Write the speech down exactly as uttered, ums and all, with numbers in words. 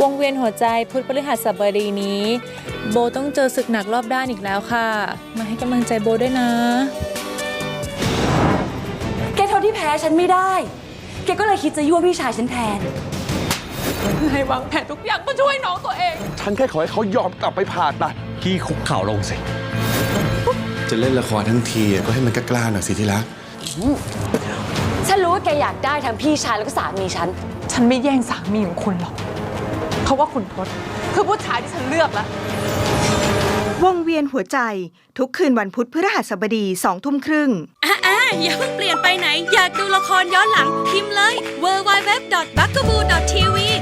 วงเวียนหัวใจพุธพฤหัสบดีนี้โบต้องเจอศึกหนักรอบด้านอีกแล้วค่ะมาให้กำลังใจโบด้วยนะแกทนที่แพ้ฉันไม่ได้แกก็เลยคิดจะยั่วพี่ชายฉันแทนให้วางแผนทุกอย่างเพื่อช่วยน้องตัวเองฉันแค่ขอให้เขายอมกลับไปผ่าตัดพี่คุกเข่าลงสิจะเล่นละครทั้งทีก็ให้มันกล้าๆหน่อยสิที่รักฉันรู้ว่าแกอยากได้ทั้งพี่ชายแล้วก็สามีฉันฉันไม่แย่งสามีของคุณหรอกเพราะว่าคุณทศคือผู้ชายที่ฉันเลือกแล้ววงเวียนหัวใจทุกคืนวันพุธพฤหัสบดีสองทุ่มครึ่งอ่ะอ่ะอย่าเพิ่งเปลี่ยนไปไหนอยากดูละครย้อนหลังพิมพ์เลย ดับเบิลยู ดับเบิลยู ดับเบิลยู ดอท บักกะบู ดอท ที วี